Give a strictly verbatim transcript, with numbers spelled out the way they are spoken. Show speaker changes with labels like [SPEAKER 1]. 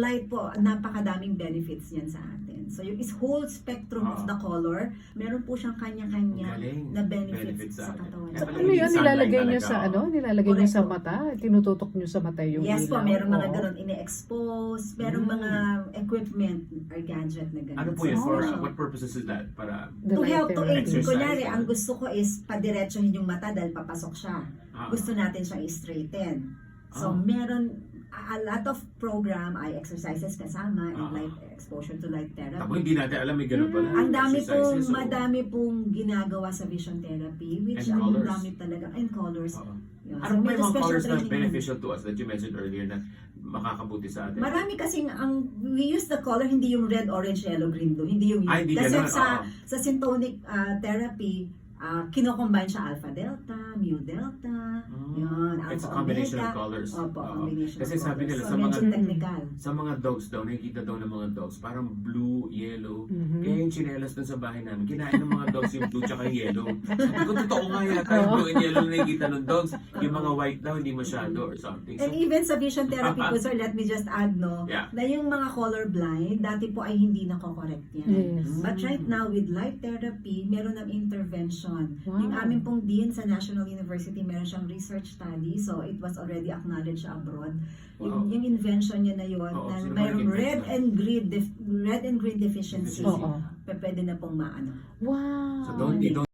[SPEAKER 1] light po, napakadaming benefits niyan sa atin. So yung is whole spectrum
[SPEAKER 2] Ah.
[SPEAKER 1] of the color, meron po siyang kanya-kanya
[SPEAKER 2] Galing.
[SPEAKER 1] na benefits,
[SPEAKER 2] Benefits
[SPEAKER 1] sa
[SPEAKER 2] sa atin.
[SPEAKER 1] katawan.
[SPEAKER 2] Kaya
[SPEAKER 3] So,
[SPEAKER 2] pala
[SPEAKER 3] ano
[SPEAKER 2] yung
[SPEAKER 3] yun?
[SPEAKER 2] sunlight
[SPEAKER 3] Nilalagay nyo
[SPEAKER 2] talaga,
[SPEAKER 3] sa
[SPEAKER 2] oh.
[SPEAKER 3] ano? Nilalagay nyo
[SPEAKER 1] Correct
[SPEAKER 3] sa
[SPEAKER 1] po.
[SPEAKER 3] mata? Tinututok nyo sa mata yung
[SPEAKER 1] Yes po,
[SPEAKER 3] ilaw?
[SPEAKER 1] meron mga
[SPEAKER 3] Oo.
[SPEAKER 1] ganun ini-expose, merong
[SPEAKER 2] Mm.
[SPEAKER 1] mga equipment or gadget na ganun.
[SPEAKER 2] Ano po yun?
[SPEAKER 1] So,
[SPEAKER 2] For
[SPEAKER 3] Oh.
[SPEAKER 2] uh, what purposes is that? Para
[SPEAKER 3] The
[SPEAKER 1] to
[SPEAKER 3] light
[SPEAKER 1] help to
[SPEAKER 3] therapy.
[SPEAKER 1] aid.
[SPEAKER 2] Exercise.
[SPEAKER 1] Kunyari, ang gusto ko is padiretsohin yung mata dahil papasok siya.
[SPEAKER 2] ah,
[SPEAKER 1] Gusto natin siyang i-straighten. So,
[SPEAKER 2] Ah.
[SPEAKER 1] meron a a lot of program ay exercises kasama and
[SPEAKER 2] Ah.
[SPEAKER 1] light exposure to light
[SPEAKER 2] Ako
[SPEAKER 1] therapy.
[SPEAKER 2] hindi natin alam may ganun pala.
[SPEAKER 1] Ang dami pong,
[SPEAKER 2] exercises, so-
[SPEAKER 1] madami pong ginagawa sa vision therapy, which
[SPEAKER 2] And
[SPEAKER 1] ang
[SPEAKER 2] colors.
[SPEAKER 1] dami talaga, and colors.
[SPEAKER 2] Oo.
[SPEAKER 1] Yun.
[SPEAKER 2] Ano
[SPEAKER 1] So,
[SPEAKER 2] ba
[SPEAKER 1] medyo
[SPEAKER 2] yung mga
[SPEAKER 1] special
[SPEAKER 2] colors na
[SPEAKER 1] training yun.
[SPEAKER 2] beneficial to us that you mentioned earlier na makakabuti sa atin?
[SPEAKER 1] Marami kasing ang we use the color hindi yung red, orange, yellow, green, blue, hindi yung
[SPEAKER 2] Ay, hindi
[SPEAKER 1] kasi
[SPEAKER 2] ganun,
[SPEAKER 1] sa
[SPEAKER 2] oo.
[SPEAKER 1] sa syntonic ah, therapy, uh, kino-combine siya alpha delta, mu delta,
[SPEAKER 2] Mm.
[SPEAKER 1] yun,
[SPEAKER 2] It's a
[SPEAKER 1] alpha
[SPEAKER 2] combination
[SPEAKER 1] omega.
[SPEAKER 2] of colors.
[SPEAKER 1] Opo,
[SPEAKER 2] Oo.
[SPEAKER 1] combination
[SPEAKER 2] Kasi
[SPEAKER 1] of
[SPEAKER 2] sabi
[SPEAKER 1] colors.
[SPEAKER 2] nila
[SPEAKER 1] So,
[SPEAKER 2] sa
[SPEAKER 1] medyo
[SPEAKER 2] mga
[SPEAKER 1] technical.
[SPEAKER 2] sa mga dogs daw, nakikita daw ng mga dogs, parang blue, yellow.
[SPEAKER 3] Mhm.
[SPEAKER 2] Kaya yung chinelas dun sa bahay namin, kinain ng mga dogs yung blue tsaka yellow. Sabi ko, totoo nga yata yung blue and yellow na nakikita ng dogs. Yung mga white daw, hindi masyado or something. So,
[SPEAKER 1] And even sa vision therapy po, sir, let me just add, no,
[SPEAKER 2] Yeah.
[SPEAKER 1] na yung mga colorblind, dati po ay hindi nako-correct yan.
[SPEAKER 3] Yes.
[SPEAKER 1] But right now, with light therapy, meron ng intervention.
[SPEAKER 3] Wow.
[SPEAKER 1] Yung aming pong dean sa National University, meron siyang research study, so it was already acknowledged abroad. Yung,
[SPEAKER 2] Wow.
[SPEAKER 1] yung invention niya na yun,
[SPEAKER 2] Oo,
[SPEAKER 1] na
[SPEAKER 2] sino ba
[SPEAKER 1] mayroong
[SPEAKER 2] nag-invent
[SPEAKER 1] red
[SPEAKER 2] nun?
[SPEAKER 1] and green, def- red and green deficiency,
[SPEAKER 2] Deficiency.
[SPEAKER 3] Oo.
[SPEAKER 1] pwede na pong maano.
[SPEAKER 3] Wow.
[SPEAKER 2] so don't, you don't